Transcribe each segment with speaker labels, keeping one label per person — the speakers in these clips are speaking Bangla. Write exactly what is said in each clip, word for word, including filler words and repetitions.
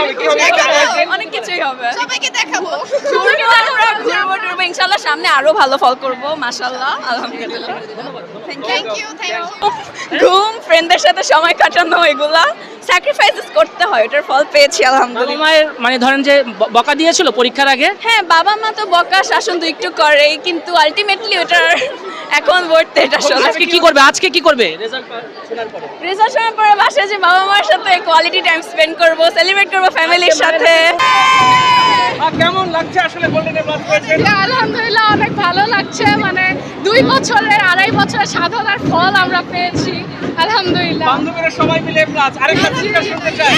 Speaker 1: অনেক কিছুই হবে।
Speaker 2: সবাইকে দেখাবো।
Speaker 1: আমরা ঘুরবো টুরবো ইনশাআল্লাহ, সামনে আরো ভালো ফল করবো মাশাআল্লাহ আলহামদুলিল্লাহ।
Speaker 2: থ্যাংক ইউ থ্যাংক ইউ
Speaker 1: ঘুম, ফ্রেন্ডদের সাথে সময় কাটানো, এগুলা স্যাক্রিফাইসেস করতে হয়, এটার ফল পেয়েছি
Speaker 3: বাবা
Speaker 1: আলহামদুলিল্লাহ।
Speaker 3: মায়ের মানে ধরেন যে ব- বকা দিয়েছিল পরীক্ষার আগে?
Speaker 1: হ্যাঁ, বাবা মা তো বকা শাসন তো একটু করেই, কিন্তু আলটিমেটলি ওটার এখন বলতে এটা
Speaker 3: আজকে কি করবে আজকে কি করবে রেজাল্ট শোনার পরে?
Speaker 1: রেজাল্ট শোনার পরে বাসায় যে বাবা মার সাথে কোয়ালিটি টাইম স্পেন্ড করব, সেলিব্রেট করব ফ্যামিলির সাথে।
Speaker 4: কেমন লাগছে আসলে গোল্ডেন প্লাস পেয়েছেন?
Speaker 5: আলহামদুলিল্লাহ অনেক ভালো লাগছে, মানে দুই বছরের আড়াই বছরের সাধনার ফল আমরা পেয়েছি আলহামদুলিল্লাহ।
Speaker 4: বান্ধবীরা সবাই মিলে প্লাস আরেকটা চিন্তা শুনতে চাই।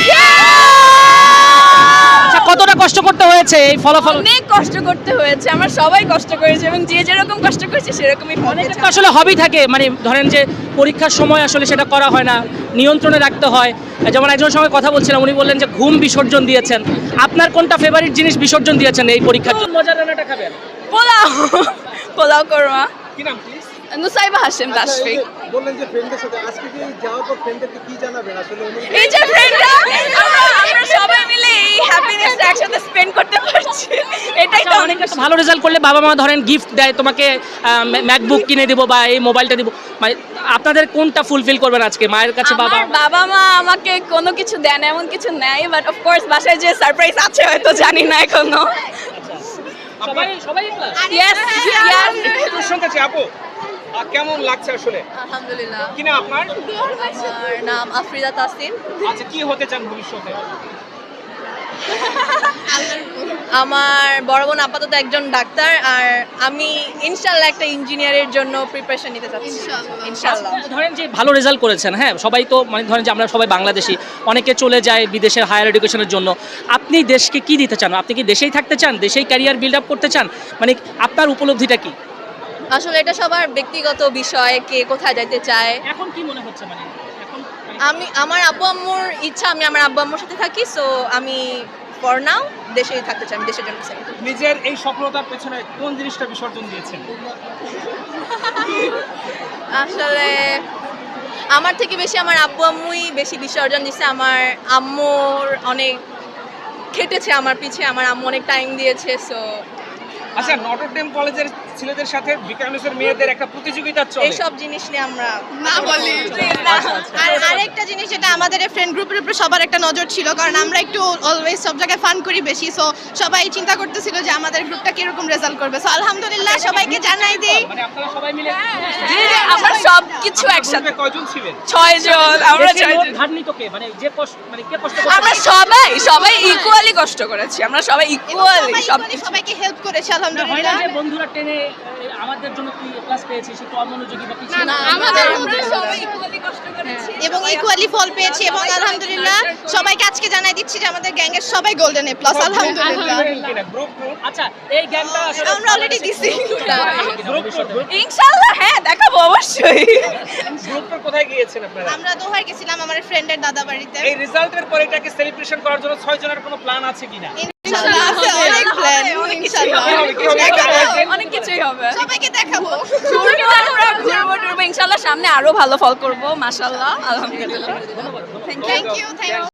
Speaker 3: আচ্ছা, কতটা কষ্ট করতে হয়েছে এই ফলাফল?
Speaker 1: অনেক কষ্ট করতে হয়েছে, আমরা সবাই কষ্ট করেছি এবং যে যেরকম কষ্ট করেছি সেরকমই ফল
Speaker 3: অনেকের
Speaker 1: পেয়েছি।
Speaker 3: তো আসলে হবি থাকে, মানে ধরেন যে পরীক্ষার সময় আসলে সেটা করা হয় না, নিয়ন্ত্রণে রাখতে হয়। যেমন একজনের সঙ্গে কথা বলছিলাম, উনি বললেন যে ঘুম বিসর্জন দিয়েছেন। আপনার কোনটা ফেভারিট জিনিস বিসর্জন দিয়েছেন এই পরীক্ষার জন্য? মজার রান্নাটা খাবেন?
Speaker 1: পোলাও পোলাও করমা।
Speaker 4: কি নাম প্লিজ?
Speaker 1: নুসাইবা হাশেম তাশফিক।
Speaker 6: বললেন যে ফ্রেন্ডদের সাথে আজকে কি যাওয়ার পর ফ্রেন্ডদেরকে কি জানাবেন আসলে অনুভূতি?
Speaker 1: এই যে ফ্রেন্ডরা, আমরা আমরা সবাই মিলে এই হ্যাপিনেসটা একসাথে স্পেন্ড করতে পারছি, এটাই তো অনেক
Speaker 3: অনেক ভালো রেজাল্ট করলে বাবা মা ধরেন গিফট দেয়, তোমাকে ম্যাকবুক কিনে দেবো বা এই মোবাইলটা দিব, মানে আপনাদের কোনটা ফুলফিল করবেন আজকে মায়ের কাছে? বাবা
Speaker 1: আমার বাবা মা আমাকে কোনো কিছু দেন এমন কিছু নেয়, বাট অফ কোর্স বাসায় যে সারপ্রাইজ আছে হয়তো জানি না এখনো।
Speaker 3: সবাই সবাই class?
Speaker 1: ইয়েস ইয়েস
Speaker 4: একটু শুনতে চাই আপু, আহ, কেমন লাগছে আসলে?
Speaker 1: আলহামদুলিল্লাহ।
Speaker 4: কি না আপনার?
Speaker 1: আমার নাম আফরিদা তাসিন।
Speaker 4: আচ্ছা, কি হতে চান ভবিষ্যতে?
Speaker 1: আমার বড় বোন আপাতত একজন ডাক্তার, আর আমি ইনশাআল্লাহ একটা ইঞ্জিনিয়ারের জন্য প্রিপারেশন নিতে চাচ্ছি ইনশাআল্লাহ।
Speaker 3: ধরেন যে ভালো রেজাল্ট করেছেন, হ্যাঁ সবাই তো মানে ধরেন যে আমরা সবাই বাংলাদেশি, অনেকে চলে যায় বিদেশের হায়ার এডুকেশনের জন্য। আপনি দেশকে কি দিতে চান? আপনি কি দেশেই থাকতে চান, দেশেই ক্যারিয়ার বিল্ড আপ করতে চান? মানে আপনার উপলব্ধিটা কি?
Speaker 1: আসলে এটা সবার ব্যক্তিগত বিষয়, কে কোথায় যেতে চায়।
Speaker 3: এখন কি মনে হচ্ছে মানে এখন
Speaker 1: আমি আমার আব্বু আম্মুর ইচ্ছা আমি আমার আব্বু আম্মুর সাথে থাকি, সো আমি ফর নাও দেশেই থাকতে চাই, আমি দেশের জন্য চাই।
Speaker 4: নিজের এই সফলতার পেছনে কোন জিনিসটা বিসর্জন দিয়েছেন?
Speaker 1: আসলে আমার থেকে বেশি আমার আব্বু আম্মুই বেশি বিসর্জন দিচ্ছে। আমার আম্মুর অনেক খেটেছে আমার পিছে, আমার আম্মু অনেক টাইম দিয়েছে, সো
Speaker 4: আচ্ছা, নটর ডেম কলেজের ছেলেদের সাথে বিকানুসের মেয়েদের একটা প্রতিযোগিতা চলে।
Speaker 1: এইসব জিনিস নিয়ে আমরা
Speaker 2: না বলি। আর আরেকটা জিনিস যেটা আমাদের ফ্রেন্ড গ্রুপের উপর সবার একটা নজর ছিল, কারণ আমরা একটু অলওয়েজ সব জায়গায় ফান করি বেশি, সো সবাই চিন্তা করতেছিল যে আমাদের গ্রুপটা কিরকম রেজাল্ট করবে। সো আলহামদুলিল্লাহ সবাইকে জানাই দিই
Speaker 4: মানে আপনারা সবাই মিলে
Speaker 1: জি, জি, আমরা সব কিছু একসাথে
Speaker 4: গ্রুপে কয়জন ছিলেন?
Speaker 1: ছয় জন, আমরা
Speaker 3: দেশের
Speaker 1: ছয়
Speaker 3: মোট
Speaker 1: জন।
Speaker 3: ধার নিত কে? মানে যে কষ্ট মানে কে কষ্ট করছে?
Speaker 1: আমরা সবাই সবাই ইকুয়ালি কষ্ট করেছি, আমরা সবাই ইকুয়ালি
Speaker 2: সবাই
Speaker 1: সব
Speaker 2: equally সবাইকে হেল্প করেছে
Speaker 3: না, হয় না
Speaker 2: আলহামদুলিল্লাহ।
Speaker 3: যে বন্ধুরা টেনে এ, আমাদের জন্য কি ক্লাস পেয়েছি, সে তো অমনোযোগী বা পিছিয়ে
Speaker 5: না,
Speaker 3: না।
Speaker 5: আমাদের
Speaker 1: আমরা সবাই ইকুয়ালি কষ্ট করেছি
Speaker 2: এবং ইকুয়ালি ফল পেয়েছি, এবং আলহামদুলিল্লাহ সবাইকে আজকে জানাই দিচ্ছি যে আমাদের গ্যাংয়ের সবাই গোল্ডেন এ প্লাস আলহামদুলিল্লাহ।
Speaker 4: কিনা গ্রুপ গ্রুপ
Speaker 3: আচ্ছা, এই জ্ঞানটা আসলে
Speaker 2: আমরা অলরেডি দিছি।
Speaker 4: গ্রুপ গ্রুপ
Speaker 1: ইনশাআল্লাহ হ্যাঁ দেখাবো অবশ্যই।
Speaker 4: গ্রুপের কোথায় গিয়েছেন আপনারা?
Speaker 2: আমরা দোহার গেছিলাম আমার ফ্রেন্ডের দাদা বাড়িতে।
Speaker 4: এই রেজাল্টের পরে এটাকে সেলিব্রেশন করার জন্য ছয় জনের কোনো প্ল্যান আছে কিনা?
Speaker 2: ইনশাআল্লাহ আছে অনেক প্ল্যান, ইনশাআল্লাহ
Speaker 4: কি হবে, কি হবে?
Speaker 2: দেখাবো।
Speaker 1: অনেক কিছুই হবে।
Speaker 2: সবাইকে দেখাবো।
Speaker 1: আমরা ঘুরবো টুরবো ইনশাআল্লাহ, সামনে আরো ভালো ফল করবো মাশাআল্লাহ আলহামদুলিল্লাহ।
Speaker 2: Thank you thank you